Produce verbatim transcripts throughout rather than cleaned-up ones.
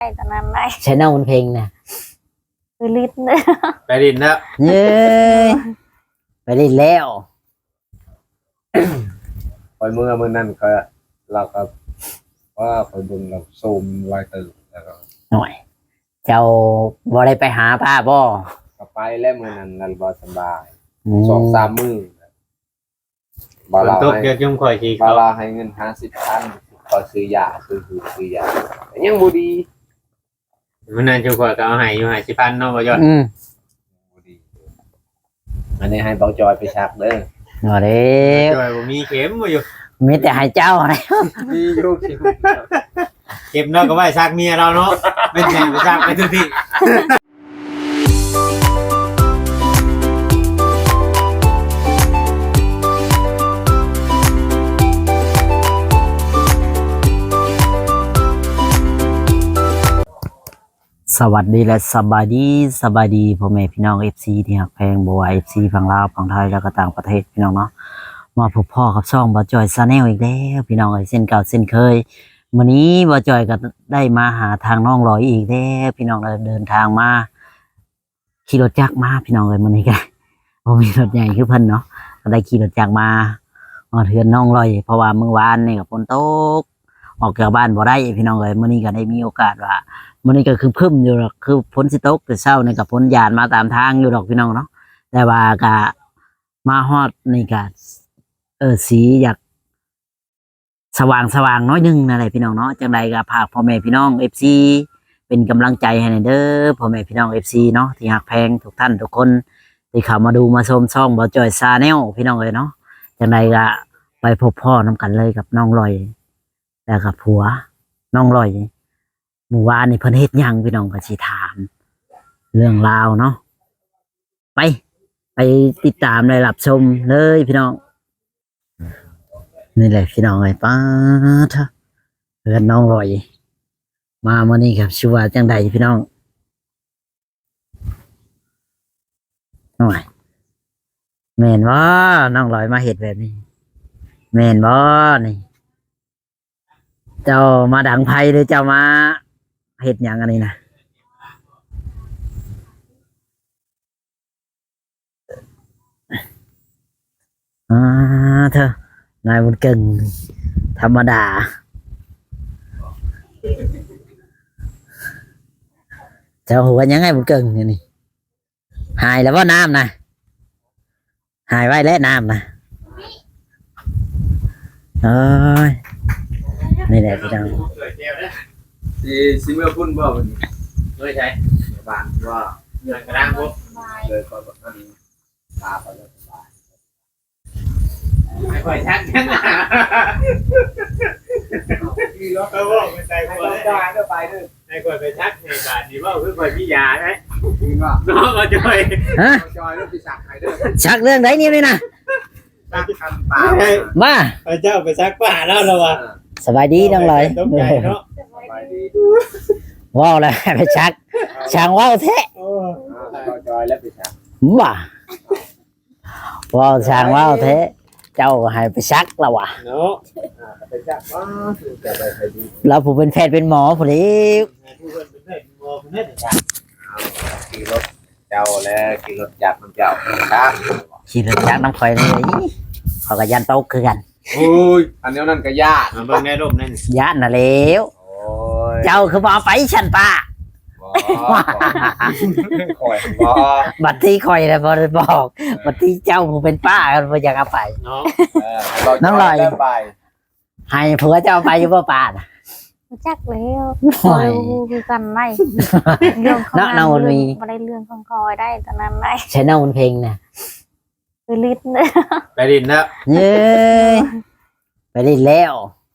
ตอนนั้นได้ใช้เน่ามันเพลงนะคือลิ้นเลยไปดินแล้วเย้ไปเล่นแล้วคอยเมื่อเมื่อนั้นก็เราก็ว่าคอยบุญเราซูมไว้ตื่นแล้วก็หน่อยเจ้าบ่ได้ไปหาป้าบ่ก็ไปแล้วเมื่อนั้นนั่นบ่สบายสองสามมื้อบาลาให้เกี่ยวกับข่อยที่บาลาให้เงินห้าสิบพันขอซื้อยาซื้อซื้อซื้อยายังบ่ดีมันนั่นจุข่อยก็เอาให้อยู่ห้าสิบพันเนาะบ่ยอดอืมบ่ดีอันนี้ให้เบาจอยไปชักเด้อเนาะเด้จอยบ่มีเข็มบ่อยู่มีแต่ให้เจ้าแล้วมีอยู่เข็มเก็บเนาะก็ไว้ชักเมียเราเนาะเป็นแม่ไปชักไปทุกที่สวัสดีและสบายดีสบายดีพ่อแม่พี่น้อง เอฟ ซี ที่ฮักแพงบ่ว่า เอฟ ซี ฝั่งลาวฝั่งไทยแล้วก็ต่างประเทศพี่น้องเนาะมาพบพ่อกับช่องบ่จอยชาแนลอีกแล้วพี่น้องเอ้ยเส้นเก่าเส้นเคยวันนี้บ่จอยก็ได้มาหาทางน้องลอยอีกแล้วพี่น้องเดินทางมาขี่รถจักรมาพี่น้องเอ้ยมื้อนี้ก็บ่มีรถใหญ่คือเพิ่นเนาะก็ได้ขี่รถจักรมามาเทือนน้องลอยเพราะว่ามื้อวานนี่ก็ฝนตกออกจากบ้านบ่ได้พี่น้องเอ้ยมื้อนี้ก็ได้มีโอกาสว่ามันนี่ก็คือพึ่มอยู่หรอกคือพ้นสิตกแต่เช้านี่กับพ้นยานมาตามทางอยู่หรอกพี่น้องเนาะแต่ว่ากะมาฮอดนี่กะเออสีอยากสว่างสว่างน้อยนึงนั่นแหละพี่น้องเนาะจังใดก็ฝากพ่อแม่พี่น้องเอฟซีเป็นกำลังใจให้เด้อพ่อแม่พี่น้องเอฟซีเนาะที่ฮักแพงทุกท่านทุกคนที่เข้ามาดูมาชมช่องบ่จอยชาแนลพี่น้องเลยเนาะจังใดก็ไปพบพ่อน้ำกันเลยกับน้องลอยแล้วกับผัวน้องลอยเมื่อวานนี่เพิ่นเฮ็ดหยังพี่น้องก็สิถามเรื่องราวเนาะไปไปติดตามเลยรับชมเลยพี่น้องนี่แหละพี่น้องไอ้ป้าทะเพื่อนน้องลอยมาเมื่อนี้ครับชื่อว่าจังใดพี่น้องน้อยแม่นบ่น้องลอยมาเฮ็ดแบบนี้แม่นบ่นี่เจ้ามาดังไผหรือเจ้ามาเฮ็ดหยังอันนี้นะอ่าเธอนายบุญเก่งธรรมดาเจ้าหัวยังไงบุญเก่งนี่นี่หายแล้วว่าน้ำนะหายไว้แล้วน้ำนะเอ้ยนี่แหละพี่น้องสิสิเมื่อพุ่นบ่มันด้วยใช่บ้านว่าเงินกระด้างพวกเลยก็แบบนั้นตาไปเลยสบายไม่ค่อยชักกันนะเออบอกไม่ใส่หัวเลยเดินไปเดินไม่ค่อยไปชักในบ้านนี่ว่าเพื่อค่อยพิยาไหมน้องก็จอยฮะจอยแล้วไปชักใครเด้อชักเรื่องไหนนี่นี่นะชักคำป่ามาพระเจ้าไปชักป่าแล้วเหรอวะสบายดีน้องลอยว้าวเลยไปชักช่างว้าวแท้จอยแล้วไปชักบ้าว้าวช่างว้าวแท้เจ้าให้ไปชักแล้ววะเนาะไปชักว่าจะไปใครดีเราผู้เป็นแพทย์เป็นหมอผู้นี้ผู้เป็นแพทย์เป็นหมอผู้นี้จะชักขี่รถเจ้าแล้วขี่รถจักรน้ำเจ้าครับขี่รถจักรน้ำข่อยเลยเขาก็ยันโต๊ะคือกันโอ้ยอันนี้นั่นก็ญาติมันเบิ่งในรูปนั่นญาติน่ะแล้วเจ้าคือบ่ไปฉันป้าบัดที่คอยเลยบ่ได้บอกบัดที่เจ้าผู้เป็นป้ากันบ่อยากเอาไปน้องลอยให้ผัวเจ้าไปอยู่บ่ป้าน่ะจักแล้วคือกันได้เรื่องของงานบ่ได้เรื่องของคอยได้ตอนนั้นได้ใช้เน่ามันเพลงน่ะคือลิ้นเลยไปดินแล้วเย้ไปดินแล้ว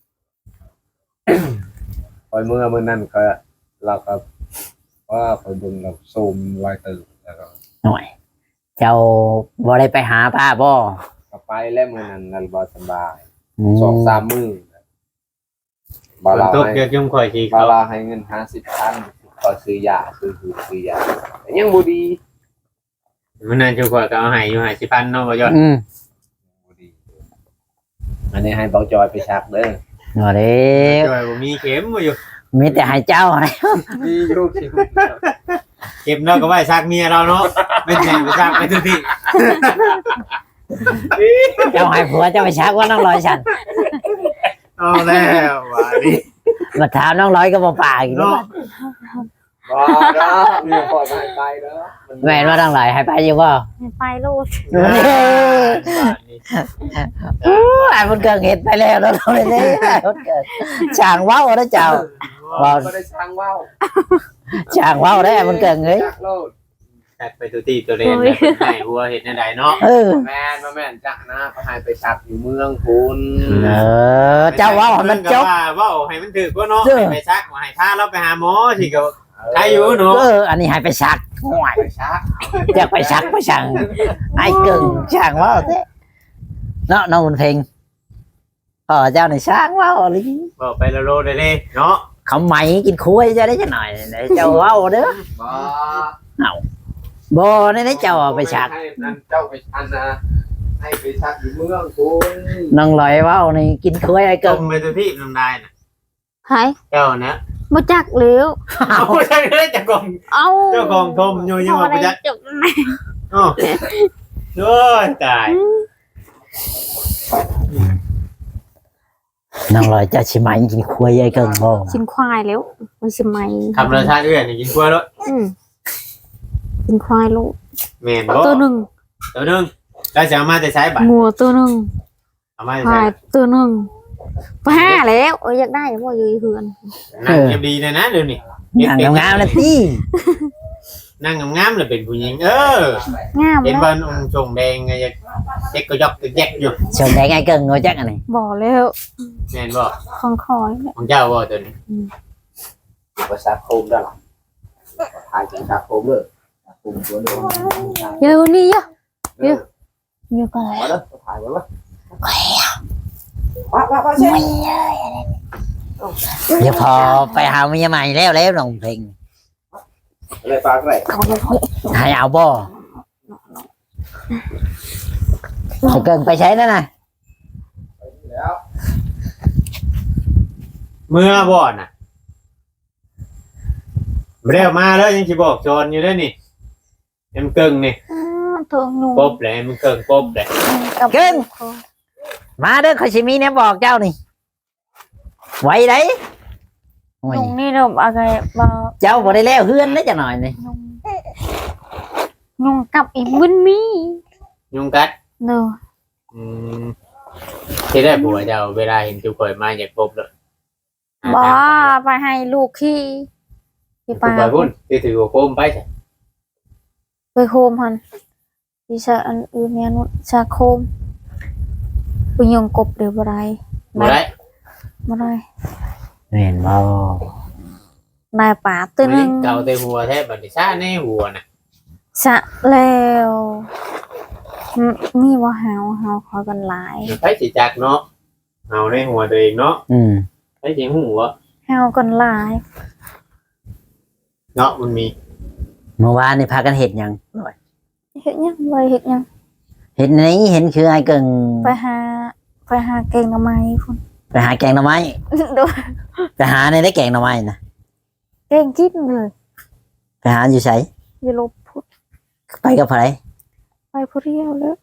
คอยเมื่อเมื่อนั้นก็เราก็ว่าคอยบุญเราซูมไว้ตื่นแล้วก็หน่อยเจ้าบ่ได้ไปหาป้าบ่ก็ไปแล้วเมื่อนั้นนั่นบ่สบายสองสามมื้อบาลาให้เกี่ยวกับข่อยที่บาลาให้เงินห้าสิบพันขอซื้อยาซื้อซื้อยายังบ่ดีมันนั่นจุข่อยก็เอาให้อยู่ห้าสิบพันเนาะบ่ยอดอืมบ่ดีอันนี้ให้เบาจอยไปชักเด้อเนาะเด้จอยบ่มีเข็มบ่อยู่มีแต่ให้เจ้าให้มีอยู่คิวเก็บเนาะก็ไว้ซักเมียเราเนาะไม่แม่นไปซักไปทุกที่เจ้าให้ผัวเจ้าไปชักว่าน้องร้อยฉันเอาแล้วว่าดิมาถามน้องร้อยก็บ่ปากอีกเนาะเนาะบ่เนาะมีปล่อยมาให้ไปเด้อแม่นว่าน้องร้อยให้ไปอยู่บ่ไปลูกอู้ไอ้มันเกิดเหตุไปแล้วเราเลยเลยมันเกิดช่างว้าวนะเจ้าบ่ได้สร้างว่าวช่างว้าวได้ไอ้มันเกิดเงยจักโลดซักไปทุกที่ตัวเล่นแบบให้หัวเฮ็ดแนวใดเนาะเออแม่นบ่แม่นจักนะเขาให้ไปชักอยู่เมืองคุณเออเจ้าว้าวให้มันจบว่าเว้าให้มันถูกกว่าเนาะเออให้ไปซักว่าให้พาเราไปหาหมอสิก็ใครอยู่เนาะเอออันนี้ให้ไปชักห่วยไปชักจะไปชักไปช่างไอ้เกิงช่างว้าวเด้เนาะน้องบุญเพ็งพ่อเจ้าในช่างว้าวเลยบอกไปละโลได้เลยเนาะเขาไหมกินคุยจะได้จะหน่อยเดี๋ยวเจ้าว้าวเด้อบ่บ่ได้ได้เจ้าเอาไปชักให้นั่นเจ้าไปชักนะให้ไปชักอยู่เมืองคุณน้องลอยว้าวนี่กินคุยไอ้จเกิงมไปทุกที่น้ำได้น่ะหายเจ้านะบ่จักแล้วเอาใช่เลยจะกองเอาเจ้าของทมอยู่ยังว่าบ่จักจบอ้อโอ้ยตายน้องลอยเจ้าชิไหมกินคุยไอ้เกิงบ่ชินควายแล้วมันสิไหมทำรสชาติเอื้อนนี่กินกล้วยแล้วอืมชินควายลูกแม่นบ่ตัวหนึ่งตัวหนึงแล้วจะเอามาแต่ใช้บัตรงัวตัวหนึ่งเอามาแต่ควาใช้ยตัวหนึ่งไปห้าแล้วเอออยากได้บ่อยู่เฮือนนั่งเก็บดีเลยนะเดี๋ยวนี้นั่งงามๆนะพี่นั่งงามๆเลยเป็นผู้หญิงเอองามเห็นแล้วบ้านองค์ชงแดงไงจะเจ๊กก็ยอกก็แยกอยู่ชนได้ไงเกิงโง่จักอันนี้บ่แล้วแม่นบ่ของคอยแล้วของเจ้าบ่ตัวนี้ไปชักโคมได้หรอถ่ายจากชักโคมเลยชักโคมตัวนึงเดี๋ยวนี้เยอะเยอะเยอะก็แล้วมาแล้วถ่ายมาแล้วว้าวว้าวเช่เดี๋ยวพอไปหาเมียใหม่แล้วแล้วน้องเพลงอะไรปลาอะไรเขาเลยเขาให้เอาบ่ให้เกิงไปใช้นั่นน่ะแล้วเมื่อบ่น่ะบ่ได้เอามาแล้วยังสิบอกจอนอยู่เด้อนี่เอ็มเกิงนี่ทงนุ่งปบเลยมันเกิงปบเลยมาเด้อขอยสิมีเนี่ยบอกเจ้านี่ไว้ได้โอ้ยนุ่งนี่เราอะไรบ่เจ้าบ่ได้แล้วเฮือนได้จักหน่อยนี่นุ่งนุ่งกับอีบุญมียุงกัดเด้ออืมที่ได้ผัวเจ้าเวลาเห็นจุกข่อยมาอยากปบเลยบ่ไปให้ลูกขี้ที่ไปปาพุ่นที่ถือโคมไปใช่ไปโคมหันดิฉันอันอื่นเนี่ยนุชาโคมไปยงกบเดี๋ยวบ่ได้บ่ได้บ่ได้เห็นบ่นายป่าตัวหนึงเก่าแต่หัวแทบบัดนี้ซ่าในหัวน่ะสะแล้วอืมนี่ว่าหาวหาวคอยกันหลายไปสิจักเนาะเอาในหัวตัวเองเนาะอืมไปสิหัวหาวกันหลายเนาะมันมีเมื่อวานนี่พากันเห็ดหยังเฮ็ดหยังเลยเฮ็ดหยังเห็ดนี้เห็นคือไอ้เกิงไปหาไปหาเก่งหน่อไม้พุ่นไปหาแกงหน่อไม้ดูไปหาในได้แกงหน่อไม้นะเก่งจิ๊บเลยไปหาอยู่ไสอย่าลบพุดไปกับไผไปผู้เดียวแล้ว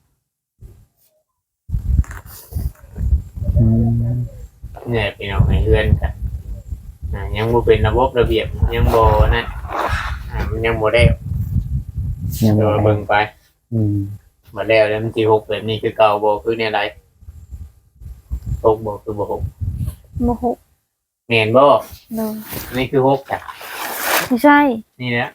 อืมเนี่ยพี่น้องให้เฮือนกันอ่ายังบ่เป็นระบบระเบียบยังบ่นั่นอ่ามันยังบ่ได้ยังเดี๋ยวบ่เบิ่งไปอืมมาแล้วแล้วมันสิหกแบบนี้คือเก่าบ่คือเนี่ยไรหกบ่คือบ่หกโมโหแม่นบ่เลยนี่คือหกจ้ะไม่ใช่นี่แหละ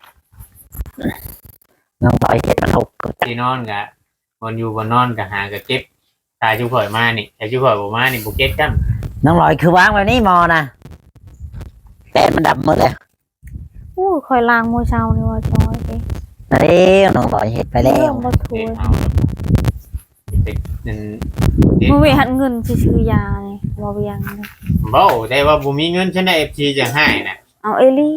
น้องต่อยเห็ดมันหกก็จักที่นอนกะวันอยู่บนนอนกะหากะเก็บตายจุข่อยมานี่แต่จุข่อยบ่มานี่บ่เก็บกันน้องลอยคือวางแบบนี้มอนะแต่มันดับหมดเลยอู้คอยล้างมือเช้านี่ว่าจอยเด้เร็วน้องลอยเห็ดไปแล้เรื่วองบ่ถูเด็กกเอาเป็นนั่นมือเวหันเงินซื้อยาเลยบ่เวียงเลยบ่แต่ว่าบ่มีเงินฉันได้ เอฟ ซี จะให้น่ะเอาเอลี่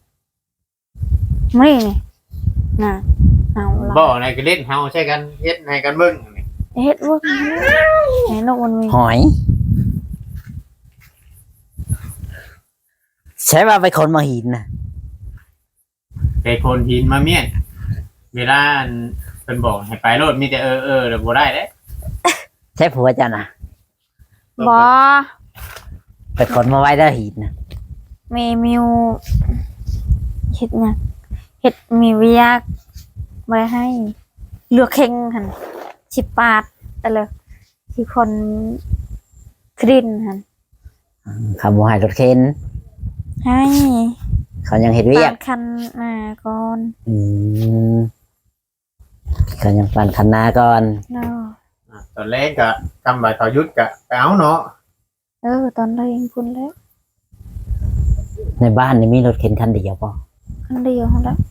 มานี่นี่น่ะเอาละบ่ในก็เล่นเฮาใช้กันเฮ็ดให้กันเบิ่งนี่เฮ็ดเวิร์กไหนนกมันมีหอยใช้ว่าไปคนมาหินนะไปโคนหินมาเมียนเวลาอันเพิ่นบอกให้ไปโลดมีแต่เออเออแล้วบ่ได้เด้ใช้ผัวจ้ะนะบ่ไปคนมาไว้ได้หินนะมีมิวเฮ็ดหยังเฮ็ดมีเวียกบ่ได้ให้เลือกเข่งหั่นสิบบาทแต่เลยที่คนครินหั่นคำว่าให้รถเข็นให้เขายังเห็นเวียปาก ดคันหน้าก่อนอืมเขายังปั่นคันนาก่อนเนาะอ่ะตอนแรกก็กำบาเขายุดก็ไปเอาเนาะเออตอนแรกพุ่นแล้วในบ้านนี่มีรถเข็นคันเดียวป่ะคันเดียวหั่นแหล้ว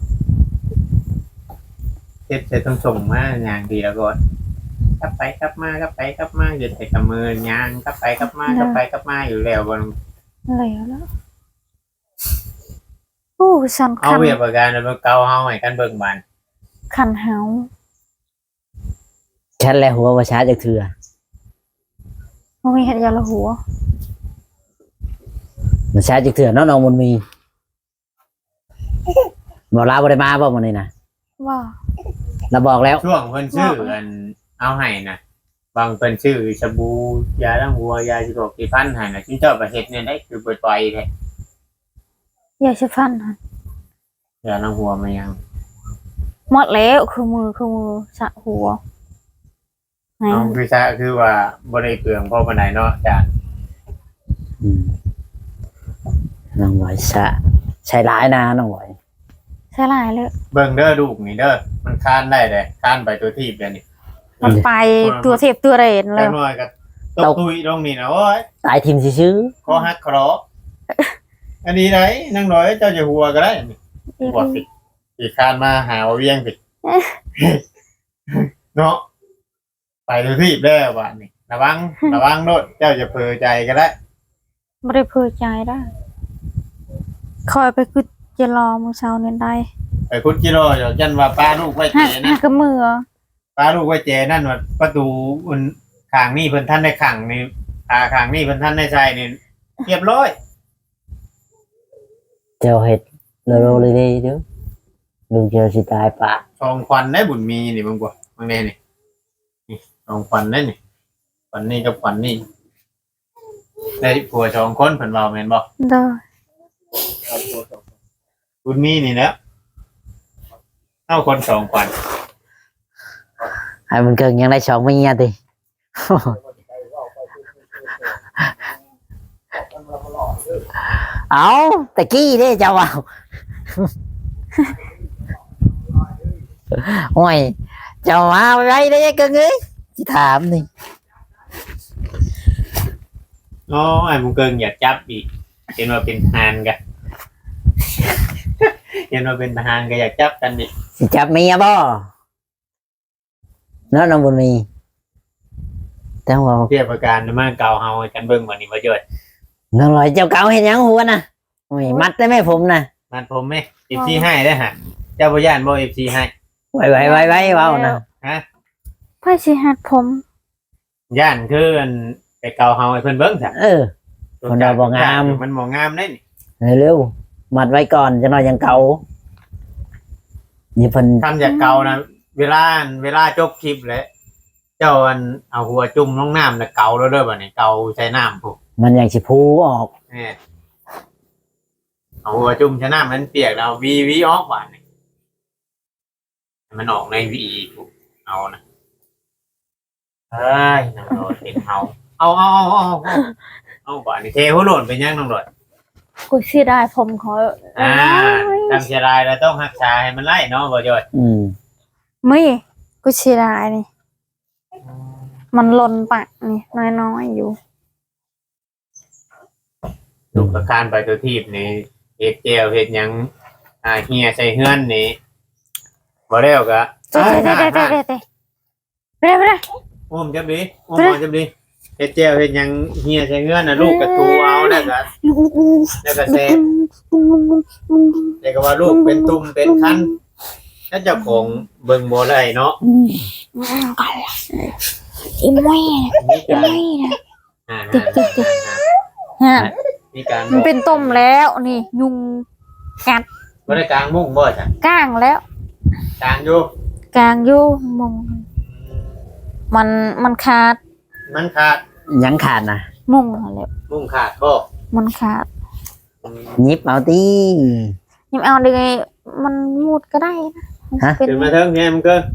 เฮ็ดใส่ต้องส่งมาอย่างเดียวก่อนกลับไปกลับมากลับไปกลับมาอยู่แต่กับมือย่างกลับไปกลับมากลับไปกลับมาอยู่แล้วบ่แล้วแล้วโอ้สันเอาคันเวียบประกันแล้วเก่าเฮาให้กันเบิ่งบานคันเฮาฉันและหัวว่าช้าจากเถื่อบ่มีเฮ็ดยาละหัวมันช้าจากเถื่อเน้องน้องมันมีบอกลาบริมาบ่มันนี่นะว่าเราบอกแล้วช่วงเพิ่นชื่ออันเอาให้น่ะบางเพิ่นชื่อสบู่ยาล้างหัวยาสิบหกกี่พันให้น่ะจิ้งเจ้าประเฮ็ดเนี่ยได้คือปล่อยๆแท้อยากสิฟันหั่นยาล้างหัวมายังหมดแล้วคือมือคือมือสะหัวไหนเอาคือซะคือว่าบ่ได้เปลืองพอปานใดเนาะอาจารย์อืมน้องหน่อยชะใช้ร้ายนะน้องหน่อยใช่หลายเลยเบิ่งเด้อลูกนี่เด้อมันค้านได้เด้ค้านไปตัวทีบเดี๋ยวนี้มันไปตัวเทพตัวเรนเลแล้ยวน้อยก็ตกตุยลงนี่นะโอ้ยตายทีมซื้อคอหักคออันนี้ไหนนั่งน้อยเจ้าจะหัวก็ได้นี่หัวสิอีกค้านมาหาว่าเวียงสิเนาะไปตัวทีบแล้วบาดนี้ระวังระวังโดดเจ้าจะเผลอใจก็ได้ไม่ได้เพอใจได้คอยไปคือจะรอมือเช้าเนี่ยได้ไปพุทธกิโลเดี๋ยวยันว่าป้าลูกไว้เจหักหันะกกับมือป้าลูกไว้เจนั่นว่าประตูอุ่นข้างนี่เพิ่นท่านได้ขังนี่อาข้างนี่เพิ่นท่านได้ใส่นี่เรียบร้อยๆเจ้าเห็ดโลโลเลยเด้เด้อดูเจอสิตายปะชองควันได้บุญมีนี่มึงกว่ามึงเนี่ยนี่นี่ชองควันได้นี่ควันนี่กับควันนี่ได้ผัวชองคนเพิ่นเว้าแม่นบ่เด้อบุญมีนี่แหล้วเอาคนสองควันให้มันเกินยังได้สองไม่เงี้ยติ เอาตะกี้เด้เจ้าเอา โอ้ยเจ้ามาไว้ได้เกินเอ้ยสิถามนี่อ๋อไอ้มึงเกิงอยากจับอีกเห็นว่าเป็นทหารกัน เห็นว่าเป็นทหารก็อยากจับกันดิสิจับเมียบ่เนาะน้องบุญมีแต่ว่าเทียบประการมาเก่าเฮาให้กันเบิ่งวันนี้บ่จ่อยน้องลอยเจ้าเก่าเห็นยังหัวน่ะโอ้ยมัดได้ไหมผมน่ะมันผมไหม เอฟ ซี ให้ได้อฮะเจ้าบ่ย่านบ่ เอฟ ซี ให้ไว้ไว้ไว้ไว้เว้านะฮะไพ่สิหัดผมย่านคืออันไปเก่าเฮาให้เพิ่นเบิ่งซะเออ คนเราบ่งามมันบ่งามได้นี่เร็วๆมัดไว้ก่อนจะนอนยังเก่านี่เพิ่นทำจากเก่านะเวลาเวลาจบคลิปแล้วเจ้าอันเอาหัวจุ่มลงน้ำแล้วเก่าแล้วเด้อบัดนี้เก่าใช้น้ำพุมันอยากสิพูออกแน่เอาหัวจุ่มใช้น้ำมันเปียกแล้วเอาวีวีออกบัดนี้ให้มันออกในวีพุเอานะเอ้ยน้องโดดเป็นเฮาเอาเอาเอาเอาเอาเอาบัดนี้เทหัวโหล่นไปยังน้องโดดกูเสียดายผมขออ่าทำเสียดายเราต้องรักษาให้มันไล่เนาะบ่จ่อยอืมไม่กูเสียดายนี่มันหล่นปะนี่น้อยๆอยู่ลูกประการไปตัวทีบนี่เฮ็ดแก้วเฮ็ดหยังอ่าเฮียใส่เฮือนนี่บ่แล้วก็เด้เด้เด้เด้เด้เด้เด้เด้อุ้มจับดิอุ้มเอาจับดิเฮ็ดแก้วเฮ็ดหยังเฮียใส่เฮือนน่ะลูกก็ตูเอาแล้วก็แล้วก็แซ่แต่ก็ว่าลูกเป็นตุ่มเป็นคันแล้วเจ้าของเบิ่งบ่ได้เนาะอีไม่มีอีการไม่นะอ่าติ๊กติ๊กติ๊ก ฮะมีการมันเป็นต้มแล้วนี่ยุงกัดบ่ได้กลางมุ้งบ่จ้ะก้างแล้วกลางอยู่กลางอยู่มุงมันมันขาดมันขาดยังขาดนะมุงนั่นแหละมุ้งขาดบ่มันขาดยิบเอาตียิ่เอาได้ไงมันมูดก็ได้นะเป็นขึ้นมาเทิงแฮมเกิน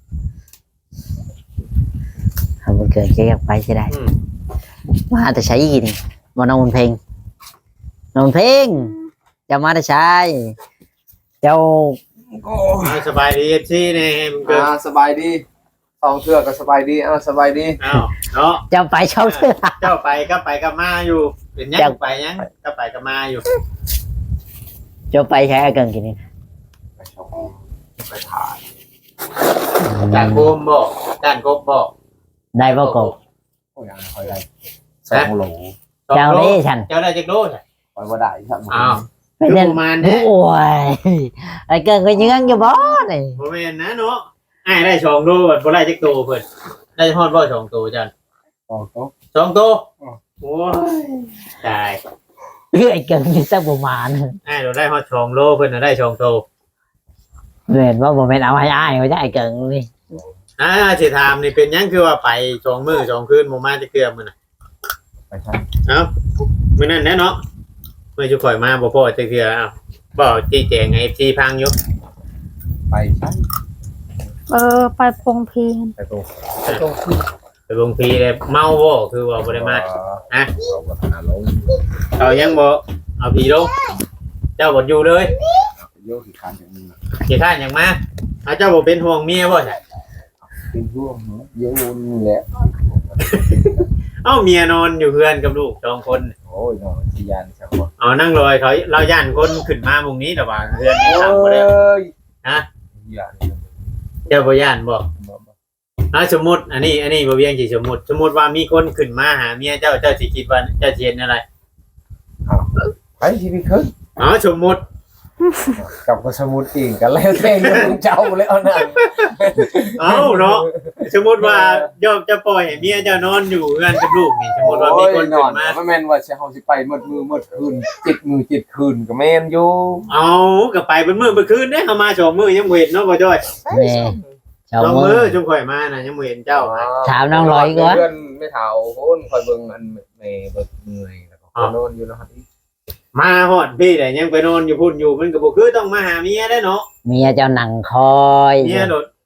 เอามันเกิดเจ๊ออกไปใช่ได้อืมว่าแต่ใช้กินมานอนเพลงนอนเพลงจะมาแต่ใช้เจ้าเอาสบายดี เอฟ ซี แน่แฮมเกินอ่าสบายดีสองเทื่อก็สบายดีอ่าสบายดีอ้าวเนาะเจ้าไปเช่าเสื้อเจ้าไปก็ไปกับมาอยู่ เป็นยังเจ้าไปยังก็ไปกับมาอยู่เจ้าไปใช้เกินกินนี่ไปชมไปถ่ายจานโคมบ่จานกบบ่ได้บ่กบโอ้ยอ่าคอยได้สองโหลเจ้านี่ฉันเจ้าได้จักโลจ้ะคอยบ่ได้ครับอ้าวไปเล่นประมาณนี้โอ้ยไอ้เกินก็ยืงอยู่บ่นี่บ่แม่นนะเนาะอ้ายได้สองโลบัดบ่ได้จักโตเพิ่นได้ฮอดบ่สองโตจันสองโต๊ะสองโตอ๋อโอ้ยตายไอ้เกินอยู่สักประมาณอ้ายเราได้ฮอดสองโลเพิ่นน่ะได้สองโตเห็นว่าบ่แม่นเอาให้อ้ายเขาจะไอ้เกินนี่อ่าสิถามนี่เป็นหยังคือว่าไปสองมื้อสองคืนบ่มาจักเทื่อมื้อน่ะไปใช่เอ้ามื้อนั้นแหละเนาะเมื่อจุข่อยมาบ่พอจักเทื่อเอ้าบ่จี้แจงให้ เอฟ ซี พังอยู่ไปใช่เออไปพงพีนไปโต๊ะไปโต๊ะที่ไปลงพีเลยเมาบ่คือว่าบ่ได้มาฮะเราก็หาลงเขายังบ่เอาผีลงเจ้าบ่อยู่เลยโยกที่คานอย่างนี้สิท่านยังมาเอาเจ้าบ่เป็นห่วงเมียบ่ใช่เป็นช่วงเยอะนี่แหละเอ้าเมียนอนอยู่เพื่อนกับลูกสองคนโอ้ยนอนที่ยานสักคนเอานั่งลอยเขาเราย่านคนขึ้นมามุงนี้แต่ว่าเพื่อนนี่โอ้ทำบ่ได้ยฮะยานเจ้าบ่ย่านบ่อ่าสมมุติอันนี้อันนี้บ่เวียงสิสมมุติสมมุติว่ามีคนขึ้นมาหาเมียเจ้าเจ้าสิคิดว่าเจ้าสิเฮ็ดอะไรไปที่พี่ขึ้นอ๋อสมมุติกับกสมุดอีกกันแล้วเต้นเจ้าเลยเอาหนังเอ้าเนาะสมมุติว่าย่อมจะปล่อยให้เมียเจ้านอนอยู่เพื่อนกับลูกนี่สมมุติว่ามีคนนขึ้อนนมาไม่แม่นว่าเฮาสิไปหมดมือหมดคืนจิตมือจิตคืนก็แม่นอยู่เอาก็ไปเป็นมื้อเป็นคืนเด้เฮามาสองมื้อยังบ่เห็นเนาะบ่จ้อยแม่เจ้าสองมืมื้ออจุ่มข่อยมาน่ะยังบ่เห็นเจ้านะถามน้องร้อยก่อนเพื่อนไม่เฒ่าโคนคอยเบิ่งอันแม่เบิดเมื่อยแล้วก็นอนอยู่นะครับมาฮอดพี่แต่ยังไปนอนอยู่พุ่นอยู่มันก็บ่คือต้องมาหาเมียได้เนาะเมียเจ้าหนังคอยเมียโดด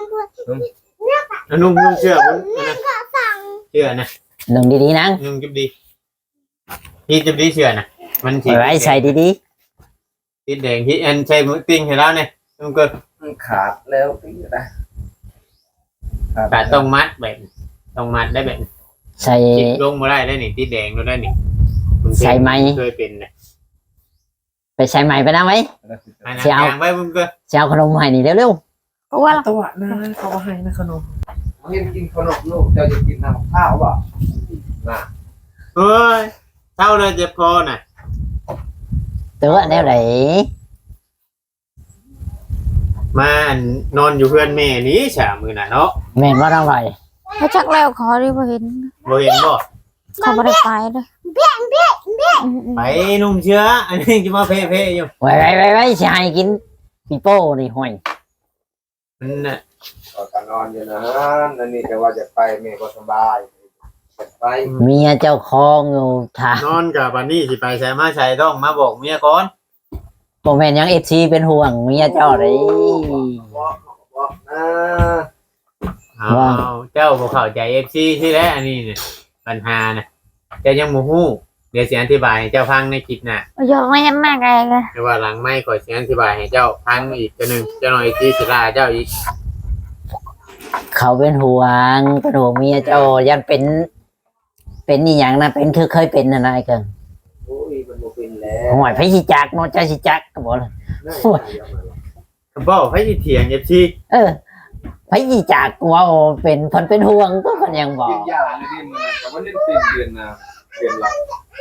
นุ่มนุ่มเชื่อมันนะเชื่อนะหนึ่งดีๆนังนุ่มจุบดีพี่จุบดีเชื่อนะมันสิไว้ใส่ดีติดแดงที่อันใช้มือติ้งให้แล้วเนี่ยมันก็ขาดแล้วพี่นะแต่ต้องมัดแบบต้องมัดได้แบบๆใส่จิบลงบ่ได้ได้นี่ติดแดงแล้วได้นี่คุณเป็นใส่ไหมเคยเป็นนะไปใส่ใหม่ไปนะไว้อันนั้นเสียวยางไว้มึงก็จะเอาขนมให้นี่เร็วเพราะว่าตัวนะเขาให้นะขนมเห็นกินขนมลูกเจ้าจะกินน้ำข้าวป่ะน่ะเฮ้ยเท่าเลยเจ็บคอน่ะๆตัวแนวไหนมาอันนอนอยู่เพื่อนแม่นี้ฉามือน่ะเนาะแม่นว่าต้องไรเขาจักแล้วขอได้บ่เห็นบ่เห็นบ่เขาบ่ได้ไปเลยอืมๆไปนุ่มเชื้ออันนี้จะมาเพ่ๆอยู่ไว้ไว้ไว้ไว้ใช่กินปีโป้นี่ห่วยมันน่ะก็นอนอยู่นะนั่นนี่แต่ว่าจะไปแม่ก็สบายไปเมียเจ้าคองอยู่ทางนอนกับบันนี้สิไปใส่มาใส่ต้องมาบอกเมียก่อนโมแมนยังเอฟซีเป็นห่วงเมียเจ้าเลยบอกบอกนะเอาเจ้าบ่เข้าใจ เอฟ ซี ที่แรกอันนี้เนี่ยปัญหาน่ะเจ้ายังบ่ฮู้เดี๋ยวสิอธิบายให้เจ้าฟังในคลิปหน้าๆยกไม่ยันหน้าไกลเลยแต่ว่าหลังไม่ขอยสิอธิบายให้เจ้าฟังอีกตัวหนึงเจ้าหน่อยที่สิลาเจ้าอีกเขาเป็นห่วงเป็นห่วงเมียเจ้ายันเป็น เป็นนี่อย่างนะเป็นคือเคยเป็นนะนายเกิงโอ้ยมันบ่เป็นแล้วห่วยพี่ชิจักเนาะเจ้าชิจักก็บอกเลยก็บอกให้สิเถียง เอฟ ซีเออพี่ชิจักว่าโอ้เป็นคนเป็นห่วงก็คนยังบอกิกนยาเลยดิมันแต่ว่าเล่นเป็นเดือนนะเดือนละ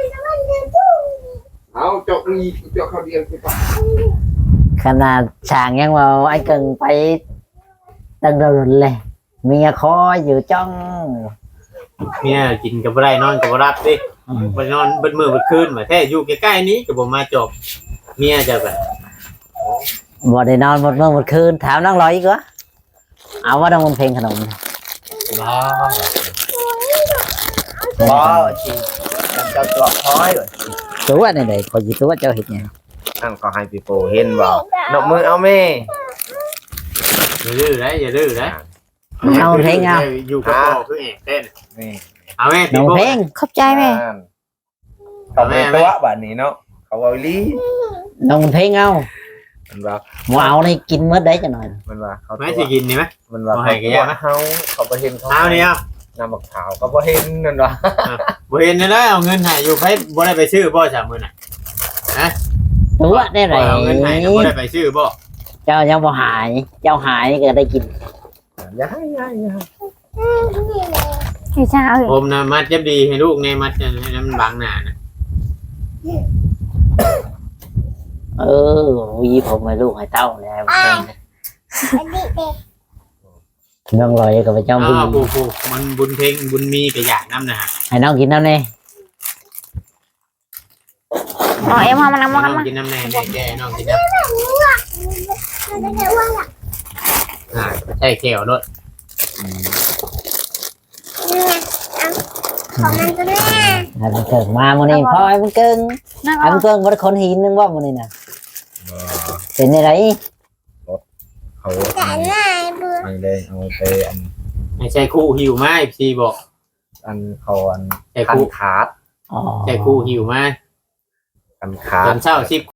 เอาจกนี่จกเขาเดียวไปป่ะขนาดช่างยังว่าไอ้เกิงไปตั้งเดินเลยเมียคอยอยู่จ้องเมียกินกับบ่ได้นอนกับบ่รับดิออืมไปนอนเบิดมือเบิดคืนมาแท้อยู่ใกล้ๆนี้ก็บ่มาจบเมียจะแบบบ่ได้นอนหมดเมื่อหมดคืนถามน้องลอยอีกวะเอาว่าน้องมันเพลงขนมบ้าบ้าจริงเจ้าตัวพ้อยเลยตัวนี่ได้พอสิตัวเจ้าเฮ็ดหยังนั่นก็ให้พี่โปเห็นบ่นกมือเอาแม่อย่าดื้อนะอย่าดื้อนะเอาเพลงเอาอยู่กับพ่อคือเอกเต้นนี่เอาแม่น้องเพลงขอบใจแม่เขาไม่ตัวแบบนี้เนาะเขาเอาลีน้องเพลงเอามันว่าบ่เอานี่กินมื้อใดจังหน่อยมันว่าเขาแม่สิกินนี่ไหมมันว่าเอาให้เขากันยากนะเฮาเขาบ่เห็นเขาเอาเนี่ยนำบักขาวเขาบ่เห็นนั่นว่าบ่เห็นนะนะเอาเงินให้อยู่ไปบ่ได้ไปซื้อบ่สามมื้อน่ะตัวได้ไรเอาเงินให้บ่ได้ไปซื้อบ่เจ้ายังบ่หาย เจ้าหายก็ได้กินอย่าให้อย่าให้อย่าให้พี่ชาเอ้ยผมนะมัดยับดีให้ลูกในมัดให้มันบังหน้านะเออวีผมให้ลูกให้เต้าแล้วน้องลอยกับเจ้าอ๋บุญอผู้ผู้มันบุญเพ็งบุญมีก็อยากนำนะฮะให้น้องกินน้ำนี่เอาเอ็มเอามานำมาน้กันองมากินน้ำแน่แน่แก่น้องกินน้ำอ่าใช่เขียวรถให้มันเกิดมามื้อนี้พ่อให้มันเกิงนั่งให้เอามันเกิงบ่ได้คนหินนึงว่ามื้อนี้น่ะเป็นจังได๋เขาไม่ได้เอาไปอันไม่ใช่คู่หิวไหมพี่บอกอันเขาอันใช่คันคู่ขาดอ๋อใช่คู่หิวไหมคันขาตดอนเช้าสิบ